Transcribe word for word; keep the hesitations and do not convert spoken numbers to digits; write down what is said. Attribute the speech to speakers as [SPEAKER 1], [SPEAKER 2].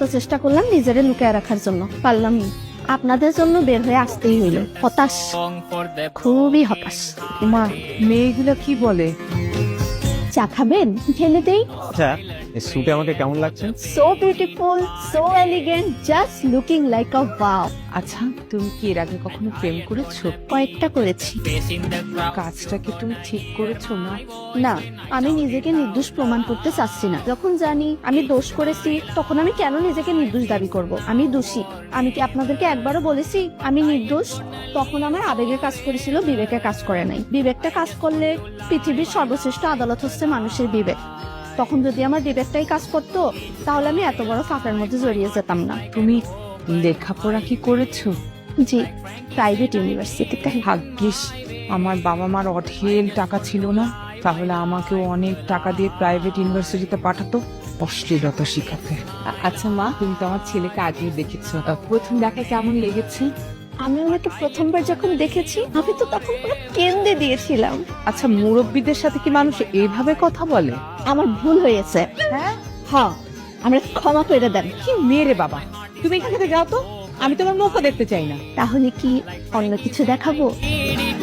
[SPEAKER 1] চেষ্টা করলাম নিজেরে লুকিয়ে রাখার জন্য, পারলাম না। আপনাদের জন্য বের হয়ে আসতেই হইল। হতাশ, খুবই হতাশ।
[SPEAKER 2] মা, মেয়েগুলো কি বলে?
[SPEAKER 1] চা খাবেন? ঢেলে দেই।
[SPEAKER 3] আচ্ছা, এই স্যুটে আমাকে কেমন লাগছে?
[SPEAKER 1] So beautiful, so elegant, just looking like a wow.
[SPEAKER 2] আচ্ছা, তুমি কি এর আগে কখনো প্রেম করেছো?
[SPEAKER 1] কয়েকটা করেছি।
[SPEAKER 2] কাজটা কি তুমি ঠিক করেছো না?
[SPEAKER 1] না, আমি নিজেকে নির্দোষ প্রমাণ করতে চাচ্ছি না। যখন জানি আমি দোষ করেছি, তখন আমি কেন নিজেকে নির্দোষ দাবি করব? আমি দোষী। আমি কি আপনাদেরকে একবারও বলেছি আমি নির্দোষ? তখন আমার আবেগে কাজ করেছিল, বিবেকে কাজ করে নাই। বিবেকটা কাজ করলে পৃথিবীর সর্বশ্রেষ্ঠ আদালত হচ্ছে মানুষের বিবেক। তখন যদি আমার বিবেকটাই কাজ করতো, তাহলে আমি এত বড় ফাঁকের মধ্যে জড়িয়ে যেতাম না।
[SPEAKER 2] তুমি লেখাপড়া কি করেছো?
[SPEAKER 1] জি, প্রাইভেট ইউনিভার্সিটিতে।
[SPEAKER 2] ভাগ্যিস আমার বাবা মার অঢেল টাকা ছিল না, তাহলে আমাকেও অনেক টাকা দিয়ে প্রাইভেট ইউনিভার্সিটিতে পাঠাতো অশ্লীলতা শিখাতে। আ- আচ্ছা মা, তুমি তো আমার ছেলেকে আগেই দেখেছো, আহ, প্রথম দেখায় কেমন লেগেছে?
[SPEAKER 1] আমি ওনাকে প্রথমবার যখন দেখেছি, আমি তো তখন পুরো কেঁদে দিয়েছিলাম।
[SPEAKER 2] আচ্ছা, মুরব্বীদের সাথে কি মানুষ এইভাবে কথা বলে?
[SPEAKER 1] আমার ভুল হয়েছে।
[SPEAKER 2] হ্যাঁ,
[SPEAKER 1] হ্যাঁ, আমরা ক্ষমা করে দেন।
[SPEAKER 2] কি মেয়ে রে বাবা, তুমি এখান থেকে যাও তো, আমি তোমার মুখও দেখতে চাই না।
[SPEAKER 1] তাহলে কি অন্য কিছু দেখাবো?